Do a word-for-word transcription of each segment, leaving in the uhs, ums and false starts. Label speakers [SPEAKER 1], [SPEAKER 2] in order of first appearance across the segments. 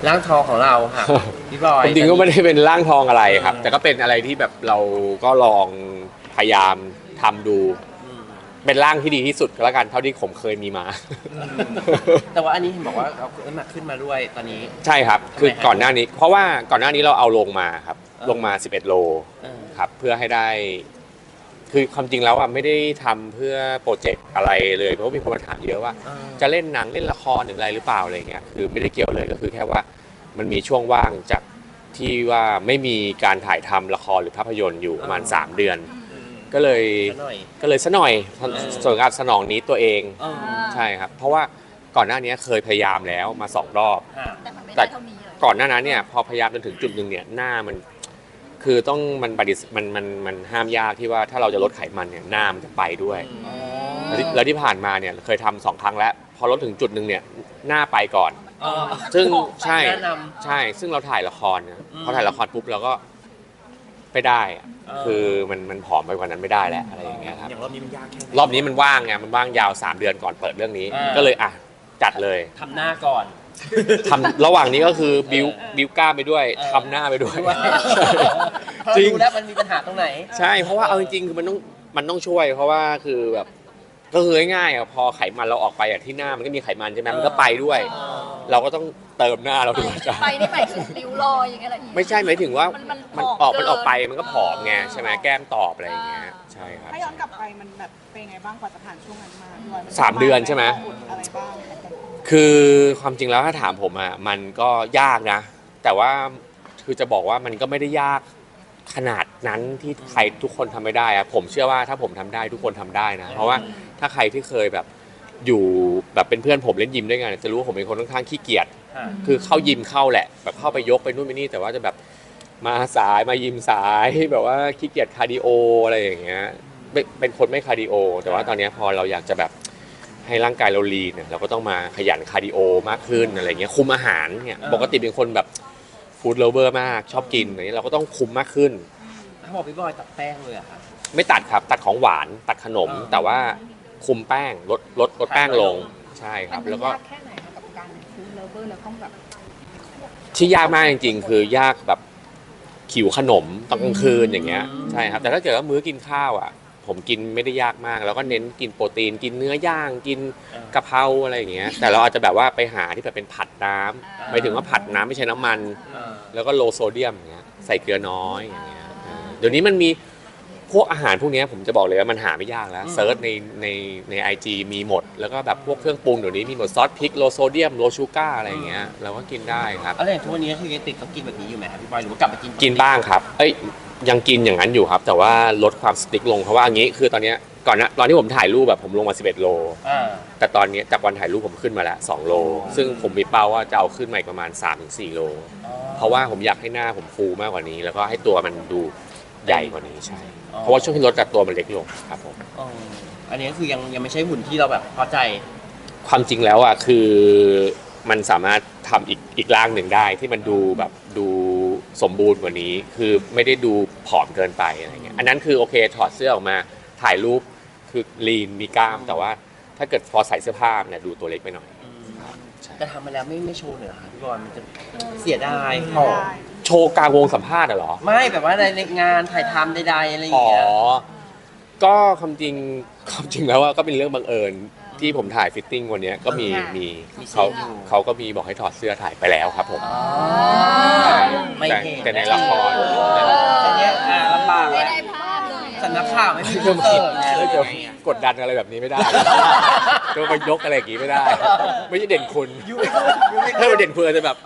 [SPEAKER 1] ร่างทองของเราค่ะพี่บอย
[SPEAKER 2] จริงๆก็ไม่ได้เป็นร่างทองอะไรครับ แต่ก็เป็นอะไรที่แบบเราก็ลองพยายามทำดูเป็นร่างที่ดีที่สุดก็แล้วกันเท่าที่ผมเคยมีมา
[SPEAKER 1] แต่ว่าอันนี้เห็นบอกว่าเอาน้ำหนักขึ้นมาด้วยตอนนี้
[SPEAKER 2] ใช่ครับคือก่อนหน้านี้เพราะว่าก่อนหน้านี้เราเอาลงมาครับลงมาสิบเอ็ดโลครับเพื่อให้ได้คือความจริงแล้วอ่ะไม่ได้ทำเพื่อโปรเจกต์อะไรเลยเพราะมีคนมาถามเยอะว่าจะเล่นหนังเล่นละครหรืออะไรหรือเปล่าอะไรเงี้ยคือไม่ได้เกี่ยวเลยก็คือแค่ว่ามันมีช่วงว่างจากที่ว่าไม่มีการถ่ายทำละครหรือภาพยนตร์อยู่ประมาณสามเดือนก็เลยก็เลยซะหน่อยส่วนการสนองนี้ตัวเองใช่ครับเพราะว่าก่อนหน้านี้เคยพยายามแล้วมาสองรอบแต่ก่อนหน้านั้นเนี่ยพอพยายามจนถึงจุดหนึ่งเนี่ยหน้ามันคือต้องมันปฏิมันมันมันห้ามยากที่ว่าถ้าเราจะลดไขมันเนี่ยหน้ามันจะไปด้วยแล้วที่ผ่านมาเนี่ยเคยทำสองครั้งแล้วพอลดถึงจุดหนึ่งเนี่ยหน้าไปก่อนซึ่งใช่ใช่ซึ่งเราถ่ายละครเนี่ยพอถ่ายละครปุ๊บเราก็ไม่ได้คือมันมันผอมไปกว่านั้นไม่ได้แล้วอะไรอย่างเงี้ยครับ
[SPEAKER 1] อย่างรอบนี้มันยากแค่
[SPEAKER 2] รอบนี้มันว่างไงมันว่างยาวสามเดือนก่อนเปิดเรื่องนี้ก็เลยอ่ะจัดเลย
[SPEAKER 1] ทำหน้าก่อน
[SPEAKER 2] ทำระหว่างนี้ก็คือบิวบิวกล้าไปด้วยทำหน้าไปด้วย
[SPEAKER 1] จริงแล้วมันมีปัญหาตรงไหน
[SPEAKER 2] ใช่เพราะว่าเอาจริงๆคือมันต้องมันต้องช่วยเพราะว่าคือแบบก็คือง่ายๆอ่ะพอไขมันเราออกไปอ่ะที่หน้ามันก็มีไขมันใช่ไหมมันก็ไปด้วยเราก็ต้องเติมหน้าเราด้วย
[SPEAKER 3] ไปนี่หมายถึงริ้วรอยอย่างเงี้ยเหรอ
[SPEAKER 2] ไม่ใช่หมายถึงว่ามันออกมันออกไปมันก็ผอมไงใช่ไหมแก้มตอบอะไรอย่างเงี้ยใช่ครับ
[SPEAKER 4] ถ้าย้อนกลับไปมันแบบเป็นไงบ้างกว่าจะผ่านช่วงนั้นมา
[SPEAKER 2] สามเดือนใช่ไหม
[SPEAKER 4] อะไรบ้าง
[SPEAKER 2] คือความจริงแล้วถ้าถามผมอ่ะมันก็ยากนะแต่ว่าคือจะบอกว่ามันก็ไม่ได้ยากขนาดนั้นที่ใครทุกคนทำไม่ได้อะผมเชื่อว่าถ้าผมทำได้ทุกคนทำได้นะเพราะว่าถ้าใครที่เคยแบบอยู่แบบเป็นเพื่อนผมเล่นยิมด้วยกันจะรู้ว่าผมเป็นคนค่อนข้างขี้เกียจคือเข้ายิมเข้าแหละแบบเข้าไปยกไปนู่นไปนี่แต่ว่าจะแบบมาสายมายิมสายแบบว่าขี้เกียจคาร์ดิโออะไรอย่างเงี้ยเป็นคนไม่คาร์ดิโอแต่ว่าตอนนี้พอเราอยากจะแบบให้ร่างกายเราลีนเนี่ยเราก็ต้องมาขยันคาร์ดิโอมากขึ้นอะไรเงี้ยคุมอาหารเนี่ยปกติเป็นคนแบบฟู้ดเลเวอร์มากชอบกินอะไรเงี้ยเราก็ต้องคุมมากขึ้น
[SPEAKER 1] ถ้าบอกพี่บอยตัดแป้งเลยอะครับ
[SPEAKER 2] ไม่ตัดครับตัดของหวานตัดขนมแต่ว่าคุมแป้งลดลดลดแป้งลงใช่ครับแล้วก็
[SPEAKER 3] แค่ไหนกับการฟู้ดเลเวอร์แล้วต้องแบบ
[SPEAKER 2] ที่ยากมากจริงๆคือยากแบบขิวขนมตอนกลางคืนอย่างเงี้ยใช่ครับแต่ถ้าเกิดว่ามื้อกินข้าวอ่ะผมกินไม่ได้ยากมากแล้วก็เน้นกินโปรตีนกินเนื้อย่างกินกะเพราอะไรอย่างเงี้ยแต่เราอาจจะแบบว่าไปหาที่แบบเป็นผัดน้ำหมายถึงว่าผัดน้ำไม่ใช่น้ำมันแล้วก็โลโซเดียมอย่างเงี้ยใส่เกลือน้อยอย่างเงี้ยเดี๋ยวนี้มันมีพวกอาหารพวกนี้ผมจะบอกเลยว่ามันหาไม่ยากแล้วเซิร์ชในในในไอจีมีหมดแล้วก็แบบพวกเครื่องปรุงเดี๋ยวนี้มีหมดซอสพริกโลโซเดียมโลชูการ์อะไรอย่างเงี้ยเราก็กินได้ครับ
[SPEAKER 1] อะไรทุกวันนี้คือยังติดต้องกินแบบนี้อยู่ไหมครับพี่บอยหรือว่ากลับมากิน
[SPEAKER 2] กินบ้างครับเอ้ยยังกินอย่างนั้นอยู่ครับแต่ว่าลดความสติ๊กลงเพราะว่าอย่างนี้คือตอนนี้ก่อนนะตอนที่ผมถ่ายรูปแบบผมลงมาสิบเอ็ดโลแต่ตอนนี้จากวันถ่ายรูปผมขึ้นมาแล้วสองโลซึ่งผมมีเป้าว่าจะเอาขึ้นมาอีกประมาณ สามถึงสี่ โลเพราะว่าผมอยากให้หน้าผมฟูมากกว่านี้แล้วก็ให้ตัวมันดูใหญ่กว่านี้ใช่เพราะว่าช่วงที่ลดกับตัวมันเล็กลงครับผม
[SPEAKER 1] อันนี้คือยังยังไม่ใช่หุ่นที่เราแบบพอใจ
[SPEAKER 2] ความจริงแล้วอ่ะคือมันสามารถทำอีกอีกร่างหนึ่งได้ที่มันดูแบบดูสมบูรณ์กว่านี้คือไม่ได้ดูผอมเกินไปอะไรเงี้ยอันนั้นคือโอเคถอดเสื้อออกมาถ่ายรูปคือลีนมีกล้ามแต่ว่าถ้าเกิดพอใส่เสื้อผ้าเนี่ยดูตัวเล็กไปหน่อย
[SPEAKER 1] แต่ทำมาแล้วไม่ไม่โชว์เลยเหรอพี่บอลมันจะเสียดายผอม
[SPEAKER 2] โชว์กลางวงสัมภาษณ์เหรอ
[SPEAKER 1] ไม่แบบว่าในงานถ่ายทำใดๆอะไรอย่างเงี้ยอ๋อ
[SPEAKER 2] ก็ความจริงความจริงแล้วว่าก็เป็นเรื่องบังเอิญที่ผมถ่ายฟิตติ้งวันนี้ก็มีมีเขาเขาก็มีบอกให้ถอดเสื้อถ่ายไปแล้วครับผม
[SPEAKER 1] ไม่เห็น
[SPEAKER 2] แต่ในละคร
[SPEAKER 1] อันนี้อ่าลำบากแล้วสำนักข่าวไม่มีเสิร์ฟ
[SPEAKER 2] จะกดดันอะไรแบบนี้ไม่ได้จะมายกอะไรอย่างงี้ไม่ได้ไม่ใช่เด่นคุณถ้าเป็นเด่นคุณจะแบบ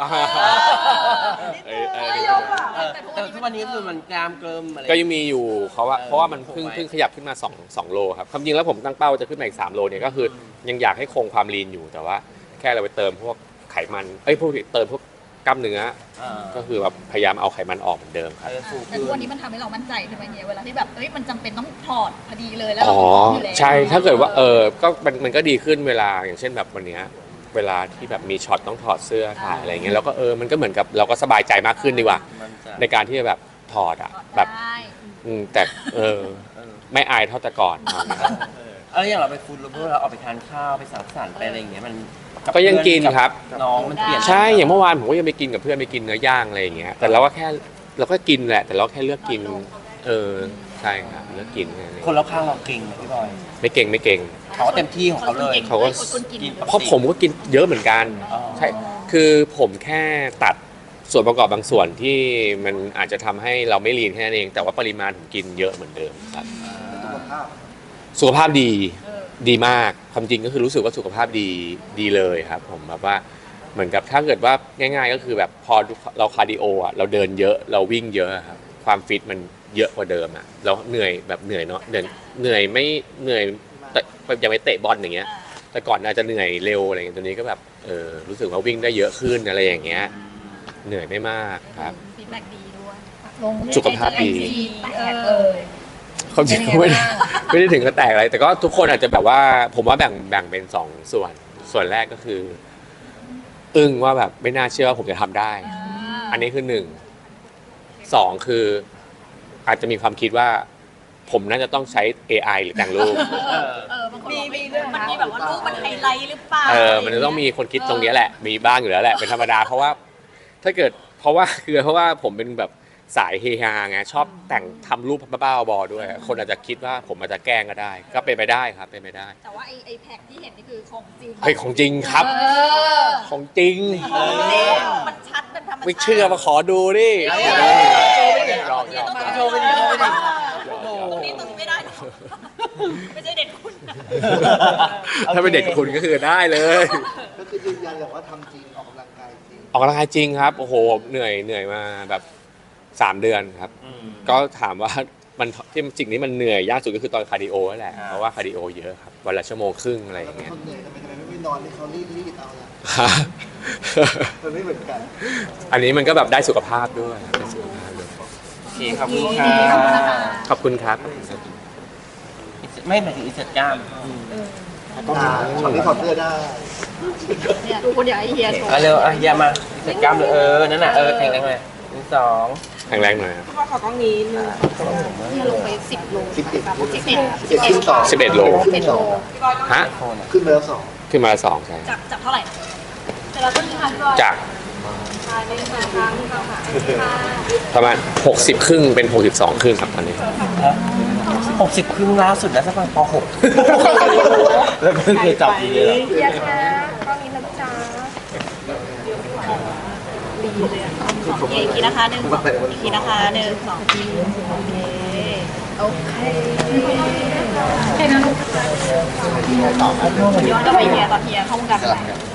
[SPEAKER 1] แต่ทุกวันนี้คือมันกล้ามเกิมอะไร
[SPEAKER 2] ก็ยังมีอยู่เขาว่าเพราะว่ามันเพิ่งเพิ่งขยับขึ้นมา2 2โลครับความจริงแล้วผมตั้งเป้าจะขึ้นมาอีกสามโลเนี่ยก็คือยังอยากให้คงความลีนอยู่แต่ว่าแค่เราไปเติมพวกไขมันเอ้ยพวกเติมพวกกล้ามเนื้อก็คือแบบพยายามเอาไขมันออกเหมือนเดิมครับ
[SPEAKER 3] แต่ทุกวันนี้มันทำให้เรามั่นใจใช่ไหมเนี่ยเวลาที่แบบเอ้ยมันจำเป็นต้องถอดพอดีเลยแล้ว
[SPEAKER 2] อ๋อใช่ถ้าเกิดว่าเออก็มันมันก็ดีขึ้นเวลาอย่างเช่นแบบวันนี้เวลาที่แบบมีช็อตต้องถอดเสื้อถ่ายอะไรเงี้ยแล้วก็เออมันก็เหมือนกับเราก็สบายใจมากขึ้นดีกว่าในการที่จะแบบถอดอ่ะแบบแต่เออไม่อายเท่าแต่ก่อน
[SPEAKER 1] เอออย่างเราไปฟู้ดโลเวอร์เราออกไปทานข้าวไปสังสรรค์ไปอะไรอย่างเงี้ยมัน
[SPEAKER 2] ก็ยังกินครับ
[SPEAKER 1] น้องมันเปลี่ยน
[SPEAKER 2] ใช่อย่างเมื่อวานผมก็ยังไปกินกับเพื่อนไปกินเนื้อย่างอะไรอย่างเงี้ยแต่เราก็แค่เราก็กินแหละแต่เราแค่เลือกกินเออใช่ครับเลือกกินแค่นั้นเอง
[SPEAKER 1] คนรอบข้างเราเก่งไหมพี่บอย
[SPEAKER 2] ไม่เก่งไม่เก่ง
[SPEAKER 1] เขาก็เต็มที่ของเขาเลย
[SPEAKER 2] เขาก็
[SPEAKER 3] คนกิน
[SPEAKER 1] กิน
[SPEAKER 2] เพราะผมก็กินเยอะเหมือนกัน
[SPEAKER 1] อ๋อ
[SPEAKER 2] ใช่คือผมแค่ตัดส่วนประกอบบางส่วนที่มันอาจจะทำให้เราไม่ลีนแค่นั้นเอง แต่ว่าปริมาณผมกินเยอะเหมือนเดิมครับสุขภาพดีดีมากความจริงก็คือรู้สึกว่าสุขภาพดีดีเลยครับผมแบบว่าเหมือนกับถ้าเกิดว่าง่าย ๆ ก็คือแบบพอเราคาร์ดิโออ่ะเราเดินเยอะเราวิ่งเยอะครับความฟิตมันเยอะกว่าเดิมอ่ะเราเหนื่อยแบบเหนื่อยเนาะเหนื่อยเหนื่อยไม่เหนื่อยแต่ยังไม่เตะบอลอย่างเงี้ยแต่ก่อนอาจจะเหนื่อยเร็วอะไรเงี้ยตัวนี้ก็แบบเออรู้สึกว่าวิ่งได้เยอะขึ้นอะไรอย่างเงี้ยเหนื่อยไม่มากครับ
[SPEAKER 3] ฟีดแบ็กดีด้วย
[SPEAKER 2] สุขภาพดี
[SPEAKER 3] แตกเลย
[SPEAKER 2] ความจริงก็ไม่ได้ไม่ได้ถึงกับแตกอะไรแต่ก็ทุกคนอาจจะแบบว่าผมว่าแบ่งแบ่งเป็นสองส่วนส่วนแรกก็คือ อึ้งว่าแบบไม่น่าเชื่อว่าผมจะทำได้ อันนี้คือหนึ่งสองคืออาจจะมีความคิดว่า ผมน่าจะต้องใช้ เอ ไอ หรือแต่งรูป
[SPEAKER 3] เออเออบางคนบอกมีมันมีแบบว่ารูปมันไฮไลท์หรือเปล่า
[SPEAKER 2] เออมันจะต้องมีคนคิดตรงนี้แหละ มีบ้างอยู่แล้วแหละเป็นธรรมดาเพราะว่าถ้าเกิดเพราะว่าคือเพราะว่าผมเป็นแบบสายเฮฮาไงชอบแต่งทำรูปบ้าๆบอๆด้วย คนอาจจะคิดว่าผมอาจจะแกล้งก็ได้ ก็เป็นไปได้ครับเป็นไปได้
[SPEAKER 3] แต่ว่าไอไอแพ็กที่เห็นนี่คือของจริง
[SPEAKER 2] เฮ้ยของจริงครับ
[SPEAKER 3] เออ
[SPEAKER 2] ของจริง
[SPEAKER 3] เออมันชัดเป็นธรรมชาติ
[SPEAKER 2] ไม่เชื่อมาขอดูดิ
[SPEAKER 1] เอา
[SPEAKER 2] หยอกหยอก
[SPEAKER 1] โชว์ไปดิโชว์ไปดิ
[SPEAKER 3] ตรงนี้ตรงนี้ไม่ได้หรอกไม่ใช่เด็กคุณ
[SPEAKER 2] ถ้าเป็นเด็กคุณก็คือได้เลย
[SPEAKER 5] ก็คือยืนยันเลยว่าทำจริงออกกำลังกายจริง
[SPEAKER 2] ออกกำลังกายจริงครับโอ้โหเหนื่อยเหนื่อยมาแบบสามเดือนครับ
[SPEAKER 1] อืม
[SPEAKER 2] ก็ถามว่ามันที่สิ่งนี้มันเหนื่อยยากสุดก็คือตอนคาร์ดิโอนั่นแหละ
[SPEAKER 1] อ่า
[SPEAKER 2] เพราะว่าคาร์ดิโอเยอะครับวันละชั่วโมงครึ่งอะไรอย่างเงี้ย
[SPEAKER 5] คนเหนื่อยทำไมทำไมไม่นอนให้เขารีดรีดเอาล่ะมันไม่เหมือนกัน
[SPEAKER 2] อันนี้มันก็แบบได้สุขภาพด้วยได้สุขภาพด้วย
[SPEAKER 1] โอเคขอบคุณค่ะ
[SPEAKER 2] ขอบคุณครับ
[SPEAKER 1] ไม่หมายถึงอิสระกล้าม
[SPEAKER 5] ต้องหาช็อตที่ถอดเสื้อได้
[SPEAKER 3] เนี่ยดูคนอยากให้เฮียโชว์
[SPEAKER 1] เอาเร็วอ่ะอย่ามาอิสระกล้ามเลยเออนั่นน่ะเออแข็งแรงเลยหนึ่งสอง
[SPEAKER 2] แข็งแรงหน่อยครับ
[SPEAKER 4] ก็ขอกล้องนี้หนึ่ง
[SPEAKER 3] เฮียลงไปสิบโล
[SPEAKER 5] สิบเอ็ด
[SPEAKER 3] สิบเอ็ด
[SPEAKER 5] สิบเอ็ดขึ้นสอง
[SPEAKER 2] สิบเอ็ดโล
[SPEAKER 5] ขึ้นสอง
[SPEAKER 2] ฮะ
[SPEAKER 1] โคนอ่ะ
[SPEAKER 5] ขึ้นไปแล้วสอง
[SPEAKER 2] ขึ้นมาละสองใช่
[SPEAKER 3] จากจากเท่าไหร่แต่เราต้องทานด้วย
[SPEAKER 2] จากประมาณหกสิบครึ่งเป็นหกสิบสองครึ่งครับตอนนี้
[SPEAKER 1] หกสิบครึ่งล่าสุดนะสักประมาณปหกแล้วก็เคยจับดีเลย
[SPEAKER 3] เฮียคะก็มีนะจ๊ะดีเลยอ่ะสองอีกทีนะคะหนึ่งสองอีกทีนะคะหนึ่งสองโอเคโอเคแค่นั้นย้อนกลับไปเฮียตอนเฮียเข้าวงการใหม่